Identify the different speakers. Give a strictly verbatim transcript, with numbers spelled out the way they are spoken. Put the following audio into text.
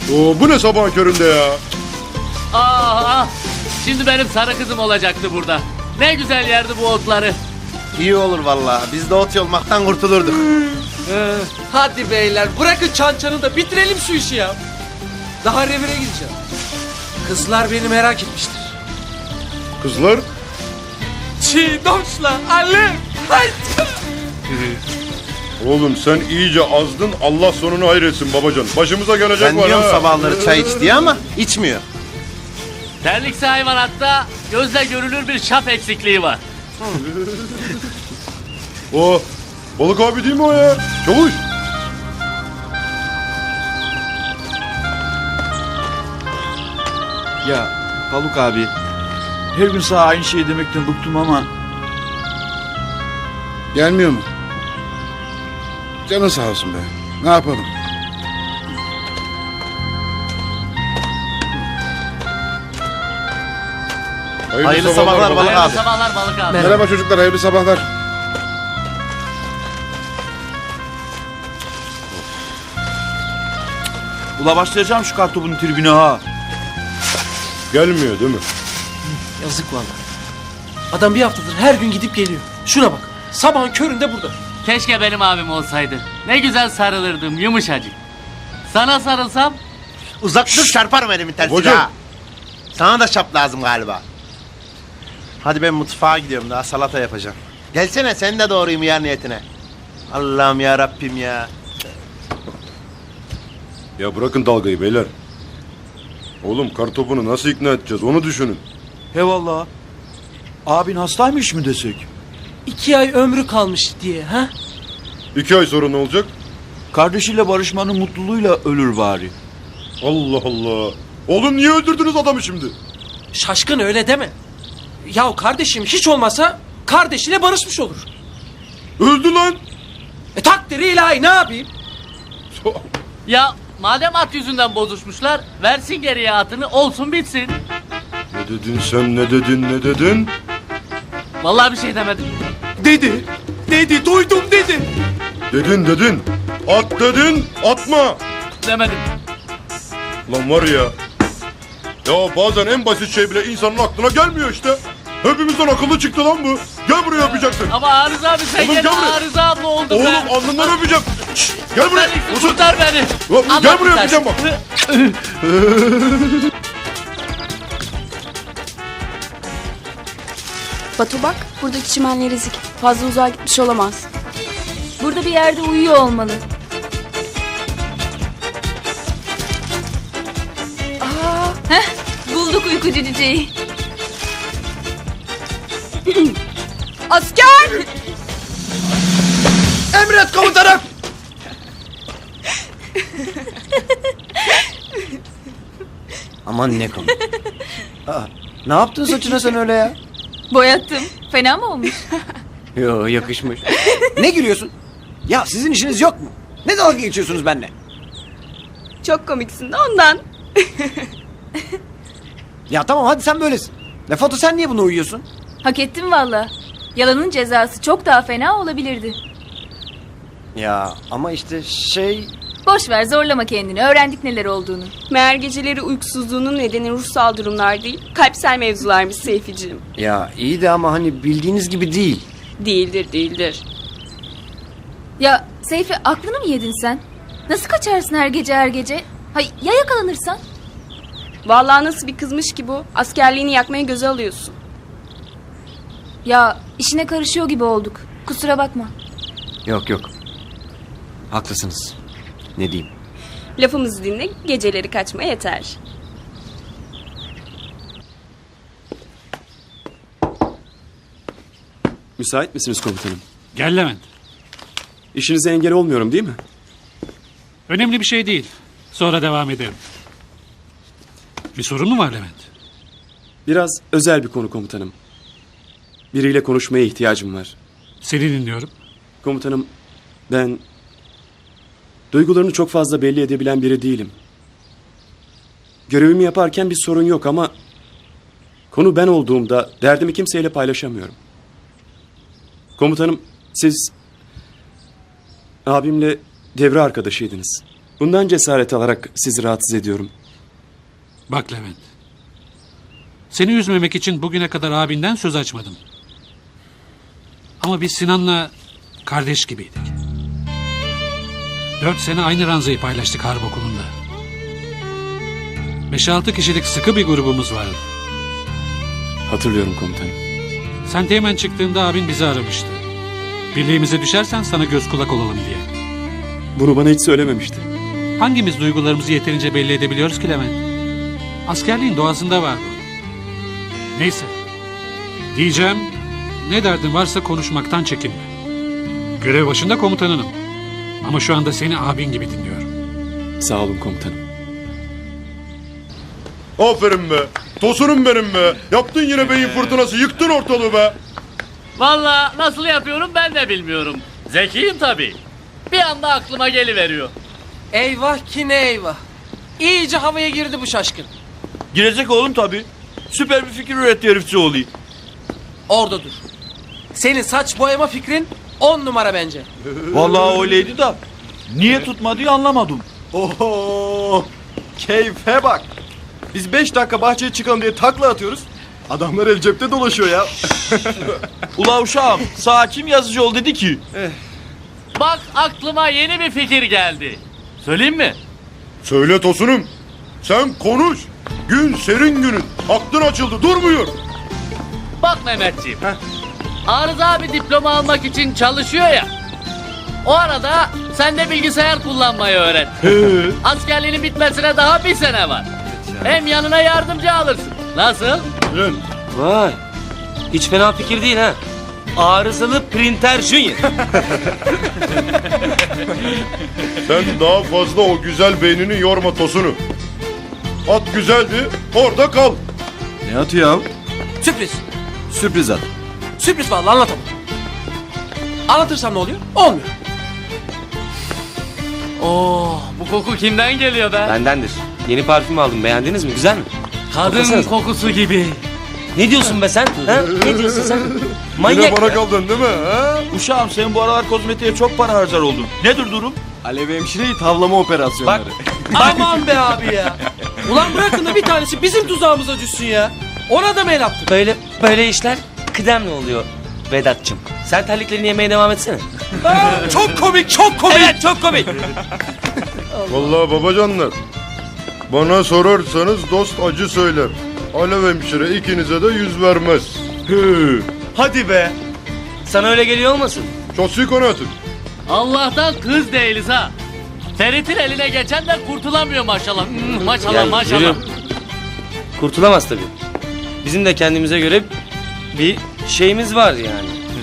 Speaker 1: Oo, bu ne sabahın köründe ya?
Speaker 2: Ah ah. Şimdi benim sarı kızım olacaktı burada. Ne güzel yerdi bu otları.
Speaker 3: İyi olur vallahi. Biz de ot yolmaktan kurtulurduk.
Speaker 4: Ee, hadi beyler bırakın çançanı da bitirelim şu işi ya. Daha revire gideceğim. Kızlar beni merak etmiştir.
Speaker 1: Kızlar?
Speaker 4: Çiğdoşla Ali. Haydi.
Speaker 1: Oğlum sen iyice azdın. Allah sonunu hayretsin babacan. Başımıza gelecek
Speaker 3: Ben
Speaker 1: var
Speaker 3: diyorum
Speaker 1: ha.
Speaker 3: sabahları çay iç diye ama içmiyor.
Speaker 2: Terliksi hayvanatta gözle görülür bir şap eksikliği var.
Speaker 1: O balık abi değil mi o ya? Çavuş.
Speaker 5: Ya Haluk abi, her gün sana aynı şeyi demekten bıktım ama...
Speaker 6: Gelmiyor mu? Canın sağ olsun be. Ne yapalım?
Speaker 1: Hayırlı,
Speaker 3: Hayırlı sabahlar
Speaker 1: babacan.
Speaker 3: balık
Speaker 2: Hayırlı
Speaker 3: abi.
Speaker 2: sabahlar balık abi.
Speaker 6: Merhaba çocuklar, hayırlı sabahlar.
Speaker 5: Ula başlayacağım şu kartopun tribüne ha.
Speaker 1: Gelmiyor değil mi?
Speaker 4: Yazık vallahi. Adam bir haftadır her gün gidip geliyor. Şuna bak. Sabahın köründe burada.
Speaker 2: Keşke benim abim olsaydı. Ne güzel sarılırdım yumuşacık. Sana sarılsam
Speaker 3: Uzak dur çarparım elimin tersiyle
Speaker 1: Hocam.
Speaker 3: ha. Sana da şap lazım galiba. Hadi ben mutfağa gidiyorum, daha salata yapacağım. Gelsene sen de doğrayayım yer niyetine. Allah'ım ya Rabbim ya.
Speaker 1: Ya bırakın dalgayı beyler. Oğlum kartopunu nasıl ikna edeceğiz onu düşünün.
Speaker 5: He valla. Abin hastaymış mı desek?
Speaker 4: İki ay ömrü kalmış diye ha?
Speaker 1: İki ay sonra ne olacak?
Speaker 5: Kardeşiyle barışmanın mutluluğuyla ölür bari.
Speaker 1: Allah Allah. Oğlum niye öldürdünüz adamı şimdi?
Speaker 4: Şaşkın öyle deme. Yahu kardeşim hiç olmasa kardeşiyle barışmış olur.
Speaker 1: Öldü lan.
Speaker 4: E takdiri ilahi ne yapayım?
Speaker 2: ya madem at yüzünden bozuşmuşlar versin geriye atını olsun bitsin.
Speaker 1: Ne dedin sen ne dedin ne dedin?
Speaker 2: Vallahi bir şey demedim.
Speaker 4: Dedi. Dedi duydum dedi.
Speaker 1: Dedin dedin. At dedin atma.
Speaker 2: Demedim.
Speaker 1: Lan var ya. Ya bazen en basit şey bile insanın aklına gelmiyor işte. Hepimizden akıllı çıktı lan bu. Gel buraya öpeceksin.
Speaker 2: Ama Arıza abi sen
Speaker 1: Oğlum
Speaker 2: gene
Speaker 1: gel buraya.
Speaker 2: Arıza abla oldun
Speaker 1: Oğlum
Speaker 2: be.
Speaker 1: alnından öpeceğim. Şşş, gel buraya.
Speaker 2: Terliksi
Speaker 1: Uzun.
Speaker 2: kurtar beni.
Speaker 1: Lan,
Speaker 2: Allah
Speaker 1: gel buraya
Speaker 2: kurtarsın.
Speaker 1: öpeceğim bak.
Speaker 7: Batu bak, buradaki çimenler ezik. Fazla uzağa gitmiş olamaz. Burada bir yerde uyuyor olmalı. Aa, heh, bulduk uykucu cüceyi. Asker!
Speaker 4: Emret komutanım.
Speaker 3: Aman ne komik. Aa, ne yaptın saçına sen öyle ya?
Speaker 7: Boyattım. Fena mı olmuş?
Speaker 8: Yo yakışmış. Ne gülüyorsun? Ya sizin işiniz yok mu? Ne dalga geçiyorsunuz benimle?
Speaker 7: Çok komiksin de ondan.
Speaker 8: Ya tamam hadi sen böylesin. Ne Foto sen niye buna uyuyorsun?
Speaker 7: Hak ettim valla. Yalanın cezası çok daha fena olabilirdi.
Speaker 8: Ya ama işte şey...
Speaker 7: Boş ver zorlama kendini. Öğrendik neler olduğunu.
Speaker 9: Meğer geceleri uykusuzluğunun nedeni ruhsal durumlar değil, kalpsel mevzularmış Seyficiğim.
Speaker 8: Ya iyi de ama hani bildiğiniz gibi değil.
Speaker 9: Değildir, değildir.
Speaker 7: Ya Seyfi aklını mı yedin sen? Nasıl kaçarsın her gece her gece? Hay ya yakalanırsan?
Speaker 9: Vallahi nasıl bir kızmış ki bu, askerliğini yakmaya göze alıyorsun.
Speaker 7: Ya işine karışıyor gibi olduk. Kusura bakma.
Speaker 8: Yok yok. Haklısınız. Ne diyeyim?
Speaker 9: Lafımızı dinle, geceleri kaçma yeter.
Speaker 10: Müsait misiniz komutanım?
Speaker 11: Gel Levent.
Speaker 10: İşinize engel olmuyorum değil mi?
Speaker 11: Önemli bir şey değil. Sonra devam ederim. Bir sorun mu var Levent?
Speaker 10: Biraz özel bir konu komutanım. Biriyle konuşmaya ihtiyacım var.
Speaker 11: Seni dinliyorum.
Speaker 10: Komutanım, ben duygularını çok fazla belli edebilen biri değilim. Görevimi yaparken bir sorun yok ama konu ben olduğumda derdimi kimseyle paylaşamıyorum. Komutanım, siz abimle devre arkadaşıydınız. Bundan cesaret alarak sizi rahatsız ediyorum.
Speaker 11: Bak Levent. Seni üzmemek için bugüne kadar abinden söz açmadım. Ama biz Sinan'la kardeş gibiydik. Dört sene aynı ranzayı paylaştık harp okulunda. Beş altı kişilik sıkı bir grubumuz vardı.
Speaker 10: Hatırlıyorum komutanım.
Speaker 11: Sen Teğmen çıktığında abin bizi aramıştı. Birliğimize düşersen sana göz kulak olalım diye.
Speaker 10: Bunu bana hiç söylememişti.
Speaker 11: Hangimiz duygularımızı yeterince belli edebiliyoruz ki Levent? Askerliğin doğasında vardı. Neyse. Diyeceğim, ne derdin varsa konuşmaktan çekinme. Görev başında komutanınım. Ama şu anda seni abin gibi dinliyorum.
Speaker 10: Sağ olun komutanım.
Speaker 1: Aferin be. Tosunum benim be. Yaptın yine beyin fırtınası. Yıktın ortalığı be.
Speaker 2: Vallahi nasıl yapıyorum ben de bilmiyorum. Zekiyim tabii. Bir anda aklıma geliveriyor.
Speaker 4: Eyvah ki ne eyvah. İyice havaya girdi bu şaşkın.
Speaker 5: Girecek oğlum tabii. Süper bir fikir üretti herifçi oğlu.
Speaker 4: Orada dur. Senin saç boyama fikrin on numara bence.
Speaker 5: Vallahi öyleydi da. Niye tutmadığı anlamadım.
Speaker 12: Oho! Keyfe bak. Biz beş dakika bahçeye çıkalım diye takla atıyoruz. Adamlar el cepte dolaşıyor ya.
Speaker 5: Ula uşağım sağ kim yazıcı ol dedi ki.
Speaker 2: Bak aklıma yeni bir fikir geldi. Söyleyeyim mi?
Speaker 1: Söyle Tosunum. Sen konuş. Gün serin günün. Aklın açıldı. Durmuyor.
Speaker 2: Bak Mehmetciğim. Arıza abi diploma almak için çalışıyor ya. O arada sen de bilgisayar kullanmayı öğren. Askerliğinin bitmesine daha bir sene var. Hem yanına yardımcı alırsın. Nasıl?
Speaker 8: Vay. Hiç fena fikir değil ha. Arızalı printer junior.
Speaker 1: Sen daha fazla o güzel beynini yorma Tosunum. At güzeldi. Orada kal.
Speaker 12: Ne atıyor ya?
Speaker 4: Sürpriz.
Speaker 12: Sürpriz at.
Speaker 4: Sürpriz vallahi anlatamam. Anlatırsam ne oluyor? Olmuyor.
Speaker 2: Oo, bu koku kimden geliyor be?
Speaker 8: Bendendir. Yeni parfüm aldım. Beğendiniz mi? Güzel mi?
Speaker 2: Kadın
Speaker 8: Koklasanıza.
Speaker 2: kokusu gibi.
Speaker 8: Ne diyorsun be sen? Ha? Ne diyorsun sen?
Speaker 1: Yine
Speaker 8: Manyak
Speaker 1: bana
Speaker 8: ya.
Speaker 1: kaldın değil mi? Ha?
Speaker 5: Uşağım sen bu aralar kozmetiğe çok para harcar oldun. Nedir durum?
Speaker 12: Alev hemşireyi tavlama operasyonları.
Speaker 4: Aman be abi ya. Ulan bırakın da bir tanesi bizim tuzağımıza düşsün ya. Ona da mı el attın?
Speaker 8: Böyle böyle işler kıdemli oluyor Vedat'cığım. Sen terliklerini yemeye devam etsene.
Speaker 4: Aa, çok komik, çok komik.
Speaker 8: Evet çok komik.
Speaker 1: Vallahi babacanlar. Bana sorarsanız dost acı söyler. Alev hemşire ikinize de yüz vermez. Hı.
Speaker 8: Hadi be. Sana öyle geliyor olmasın?
Speaker 1: Şahsi kanaatim.
Speaker 2: Allah'tan kız değiliz ha. Ferit'in eline geçen de kurtulamıyor maşallah. Hmm, maşallah
Speaker 8: Yani
Speaker 2: maşallah.
Speaker 8: yürü. Kurtulamaz tabii. Bizim de kendimize göre bir şeyimiz var yani.